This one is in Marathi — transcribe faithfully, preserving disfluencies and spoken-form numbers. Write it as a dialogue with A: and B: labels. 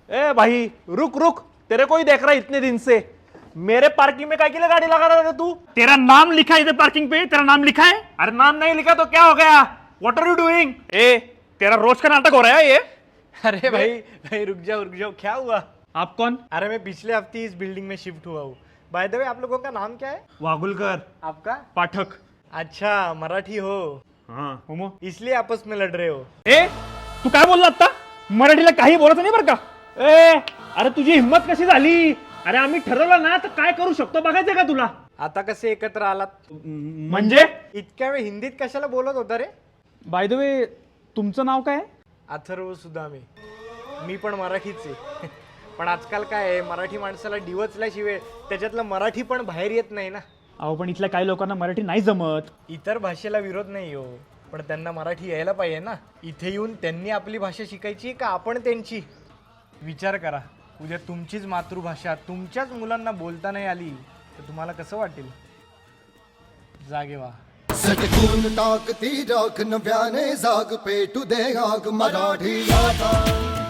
A: ए भाई रुक रुक, तेरे को ही देख रहा है इतने दिन से। मेरे पार्किंग में काय के लिए गाड़ी लगा रहा था तू?
B: तेरा नाम लिखा है इधर पार्किंग पे, तेरा नाम लिखा है।
A: अरे नाम नहीं लिखा तो क्या हो गया? What are you doing?
B: ए तेरा रोज का नाटक हो रहा है ये।
C: अरे भाई भाई रुक जाओ रुक जाओ, क्या हुआ?
B: आप कौन?
C: अरे मैं पिछले हफ्ते इस बिल्डिंग में शिफ्ट हुआ हूँ। बाय द वे आप लोगों का नाम क्या है?
A: वागुलकर।
C: आपका?
B: पाठक।
C: अच्छा मराठी हो,
B: हाँ होमो।
C: इसलिए आपस में लड़ रहे हो।
B: ए तू काय बोलला आता? मराठीला काही बोलायचं नाही बरं का?
A: ए अरे तुझी हिम्मत कशी झाली? अरे आम्ही ठरवलं ना तर काय करू शकतो बघायचं का तुला?
C: आता कसे एकत्र आलात?
B: म्हणजे
C: इतक्या वेळ हिंदीत कशाला बोलत होता रे?
B: बाय द वे तुमचं नाव काय?
C: अथर्व सुदामे. मी पण मराठीच आहे. पण आजकाल काय आहे, मराठी माणसाला डिवचल्याशिवाय त्याच्यातलं मराठी पण बाहेर येत नाही ना.
B: अहो पण इथल्या काही लोकांना मराठी नाही जमत.
C: इतर भाषेला विरोध नाही हो, पण त्यांना मराठी यायला पाहिजे ना. इथे येऊन त्यांनी आपली भाषा शिकायची का आपण त्यांची? विचार करा, उद्या तुमचीच मातृभाषा तुमच्याच मुलांना बोलता नाही आली तर तुम्हाला कसं वाटेल? जागे व्हा.
D: सटकून टाकती राख नव्याने जाग पेटू दे आग मराठी लाटा.